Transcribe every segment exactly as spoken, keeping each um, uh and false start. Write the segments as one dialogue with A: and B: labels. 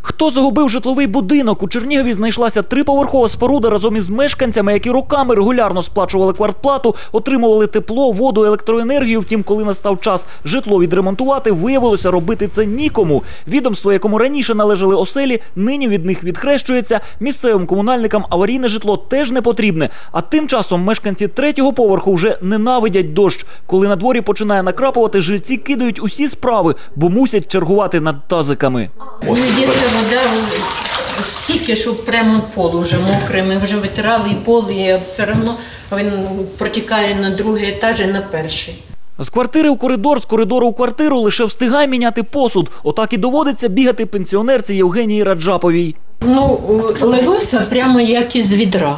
A: Хто загубив житловий будинок? У Чернігові знайшлася триповерхова споруда разом із мешканцями, які роками регулярно сплачували квартплату, отримували тепло, воду, електроенергію. Втім, коли настав час житло відремонтувати, виявилося, робити це нікому. Відомство, якому раніше належали оселі, нині від них відхрещується. Місцевим комунальникам аварійне житло теж не потрібне. А тим часом мешканці третього поверху вже ненавидять дощ. Коли на дворі починає накрапувати, жильці кидають усі справи, бо мусять чергувати над тазиками.
B: Вода стільки, що прямо пол вже мокрий, ми вже витирали і пол, і все одно він протікає на другий етаж і на перший.
A: З квартири у коридор, з коридору у квартиру лише встигай міняти посуд. Отак і доводиться бігати пенсіонерці Євгенії Раджаповій.
B: Ну, лилося прямо як із відра.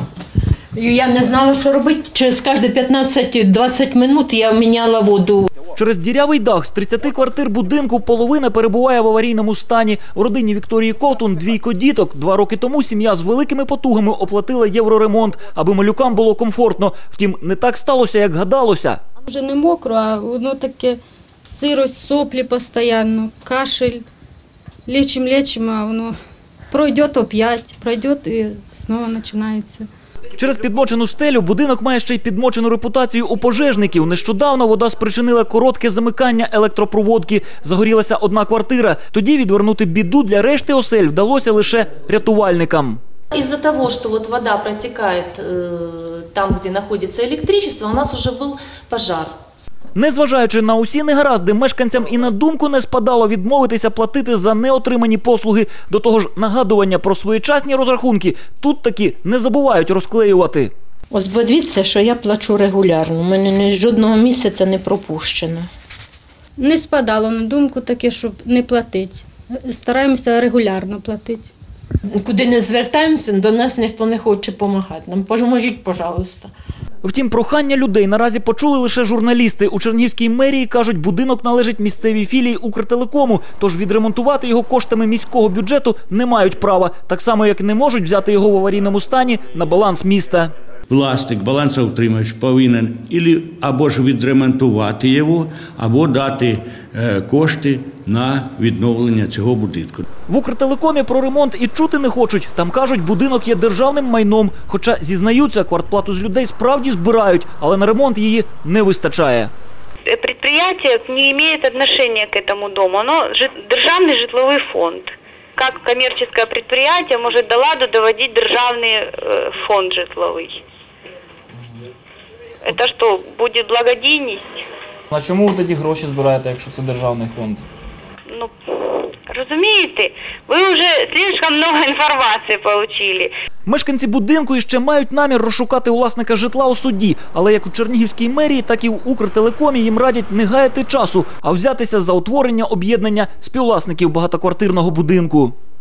B: Я не знала, що робити. Через кожні п'ятнадцять-двадцять минут я міняла воду.
A: Через дірявий дах з тридцяти квартир будинку половина перебуває в аварійному стані. У родині Вікторії Ковтун двійко діток. Два роки тому сім'я з великими потугами оплатила євроремонт, аби малюкам було комфортно. Втім, не так сталося, як гадалося.
C: Вже не мокро, а воно таке сирость, соплі постійно, кашель. Лічимо, лічимо, а воно пройде опять, пройде і знову починається.
A: Через підмочену стелю будинок має ще й підмочену репутацію у пожежників. Нещодавно вода спричинила коротке замикання електропроводки. Загорілася одна квартира. Тоді відвернути біду для решти осель вдалося лише рятувальникам.
D: Из-за того, что вот вода протекает э, там, где находится электричество, у нас уже был пожар.
A: Незважаючи на усі негаразди, мешканцям і на думку не спадало відмовитися платити за неотримані послуги. До того ж, нагадування про своєчасні розрахунки тут таки не забувають розклеювати.
B: Ось подивіться, що я плачу регулярно, у мене ні жодного місяця не пропущено.
C: Не спадало на думку таке, щоб не платити. Стараємося регулярно платити.
B: Куди не звертаємося, до нас ніхто не хоче допомагати. Нам поможіть, будь-ласка.
A: Втім, прохання людей наразі почули лише журналісти. У Чернігівській мерії кажуть, будинок належить місцевій філії Укртелекому, тож відремонтувати його коштами міського бюджету не мають права. Так само, як не можуть взяти його в аварійному стані на баланс міста.
E: Власник, балансоутримувач повинен або ж відремонтувати його, або дати кошти на відновлення цього будинку.
A: В Укртелекомі про ремонт і чути не хочуть. Там кажуть, будинок є державним майном. Хоча, зізнаються, квартплату з людей справді збирають, але на ремонт її не вистачає.
F: Предприятие не має відношення к этому дому, воно державний житловий фонд. Як комерційне підприємство може до ладу доводити державний фонд житловий? Це що, буде благодійність?
G: А чому ви тоді гроші збираєте, якщо це державний фонд?
F: Ну, розумієте, ви вже слишком багато інформації отримали.
A: Мешканці будинку іще мають намір розшукати власника житла у суді. Але як у Чернігівській мерії, так і в Укртелекомі їм радять не гаяти часу, а взятися за утворення об'єднання співвласників багатоквартирного будинку.